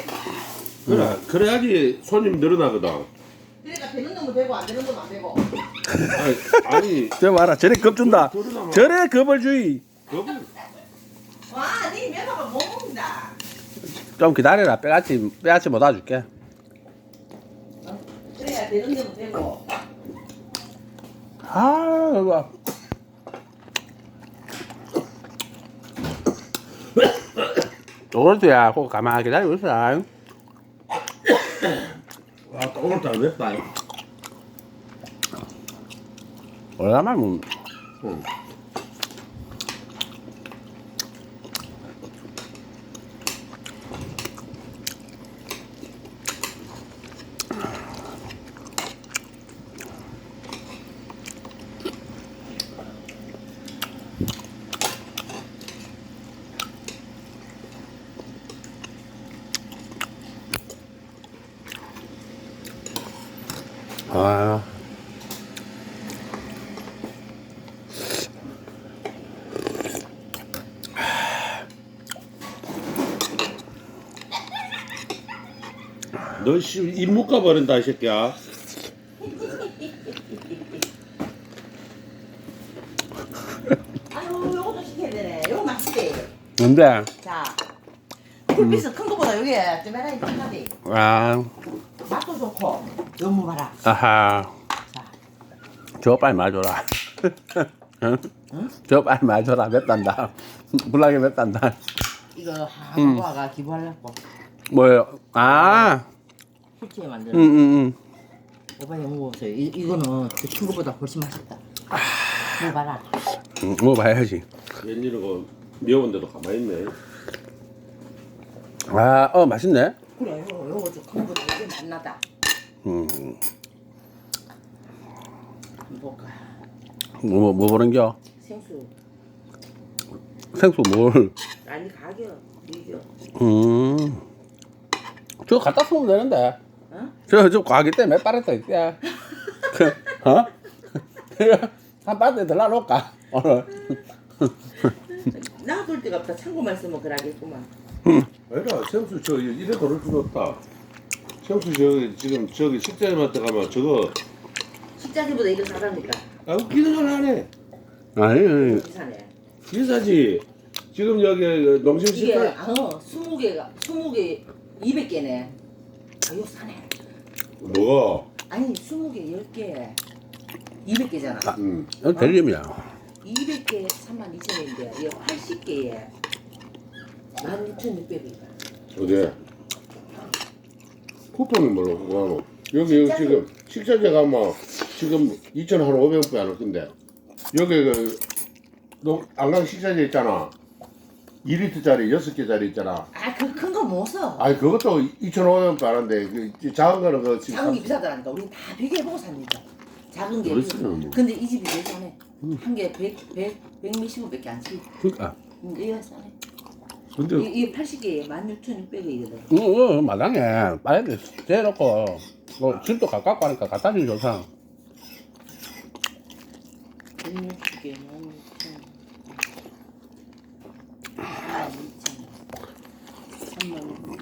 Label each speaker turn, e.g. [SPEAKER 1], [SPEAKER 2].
[SPEAKER 1] 그래, 그래야지 손님 늘어나거든.
[SPEAKER 2] 그러니까 되는 놈은 되고 안 되는 놈은 안 되고.
[SPEAKER 1] 아니,
[SPEAKER 3] 저 봐라 저래 겁준다. 저래 겁을주의.
[SPEAKER 1] 겁을.
[SPEAKER 2] 와, 네 면허가 못 먹는다.
[SPEAKER 3] 좀 기다려라. 빼앗지 못 와줄게.
[SPEAKER 2] 그래야 되는 놈은 되고.
[SPEAKER 3] 아 이거. 오늘도야 그거 가만히 기다리고 있어.
[SPEAKER 1] 와, 오늘따라 맵다.
[SPEAKER 3] 오래간만에 뭐.
[SPEAKER 1] 응.
[SPEAKER 3] 아.
[SPEAKER 1] 너 입 묶어 버린다, 이 새끼야.
[SPEAKER 2] 아유, 요것도 시켜야 되네. 요거 맛있대.
[SPEAKER 3] 뭔데?
[SPEAKER 2] 자, 굴비스 큰 거보다 요게 좀 해라 이쁘다디.
[SPEAKER 3] 아.
[SPEAKER 2] 맛도 좋고. 너무 봐라.
[SPEAKER 3] 아하.
[SPEAKER 2] 자,
[SPEAKER 3] 저 빨리 말줘라. 응? 저 빨리 말줘라. 맵단다. 불나게 맵단다.
[SPEAKER 2] 이거 한국화가 기부하려고
[SPEAKER 3] 뭐요? 아.
[SPEAKER 2] 후치에
[SPEAKER 3] 응,
[SPEAKER 2] 만드는.
[SPEAKER 3] 응, 응.
[SPEAKER 2] 오빠 이거 먹어보세요. 이거는 그큰 거보다 훨씬 맛있다. 먹어봐라.
[SPEAKER 3] 응, 먹어봐야지.
[SPEAKER 1] 웬일이고 미워본데도 가만히 있네.
[SPEAKER 3] 아, 맛있네.
[SPEAKER 2] 그래, 요거 좀큰 거보다 이게 맛나다.
[SPEAKER 3] 음,
[SPEAKER 2] 한번 볼까?
[SPEAKER 3] 뭐 보는겨?
[SPEAKER 2] 생수.
[SPEAKER 3] 생수 뭘?
[SPEAKER 2] 아니 가격 이겨.
[SPEAKER 3] 저거 갖다 쓰면 되는데.
[SPEAKER 2] 어?
[SPEAKER 3] 저 과기 때문에 빠르다 이때. 어? 한 바트에 들라 놓을까? 오늘.
[SPEAKER 2] 놔둘 데가 없다. 창고만 쓰면 그러겠구만.
[SPEAKER 1] 아니라 생수 저 이래 버릴 줄 없다. 생수 지금 저기 식자님한테 가면 저거
[SPEAKER 2] 식자기보다 이거 사다니까.
[SPEAKER 1] 아 웃기는 걸 하네.
[SPEAKER 3] 아니,
[SPEAKER 2] 비싸네.
[SPEAKER 1] 비싸지. 지금 여기 농심
[SPEAKER 2] 이게
[SPEAKER 1] 식자
[SPEAKER 2] 20개 200개네. 아, 이거 싸네.
[SPEAKER 1] 뭐가?
[SPEAKER 2] 아니 20개 10개 200개잖아.
[SPEAKER 3] 이건 델림이야.
[SPEAKER 2] 200개 32,000원인데 이거 80개에 16,600원이다.
[SPEAKER 1] 어디? 쿠폰이 뭘로 그거하노? 여기 지금 식자재 가면 지금 2,500원밖에 안 할 건데 여기 그 안강 식자재 있잖아. 2리터짜리 6개짜리 있잖아.
[SPEAKER 2] 아, 그 큰 거 못 써.
[SPEAKER 1] 아니 그것도 2,500원밖에 안 하는데 그 작은 거는 그 지금
[SPEAKER 2] 작은 게 비싸더라니까. 우리 다 비교해보고 삽니다. 작은 게.
[SPEAKER 1] 그렇지는 뭐.
[SPEAKER 2] 근데 이 집이 제일 싸네. 한 개 100 몇십 원밖에 안 치.
[SPEAKER 3] 그러니까.
[SPEAKER 2] 이거 싸네.
[SPEAKER 1] 근데
[SPEAKER 2] 이게 80개에 16,600원이거든.
[SPEAKER 3] 마당에 빨리 재놓고 뭐 집도 가깝고 하니까 갖다 주기 좋다.
[SPEAKER 2] 160개 16,000원. 32,000원. 3만 원.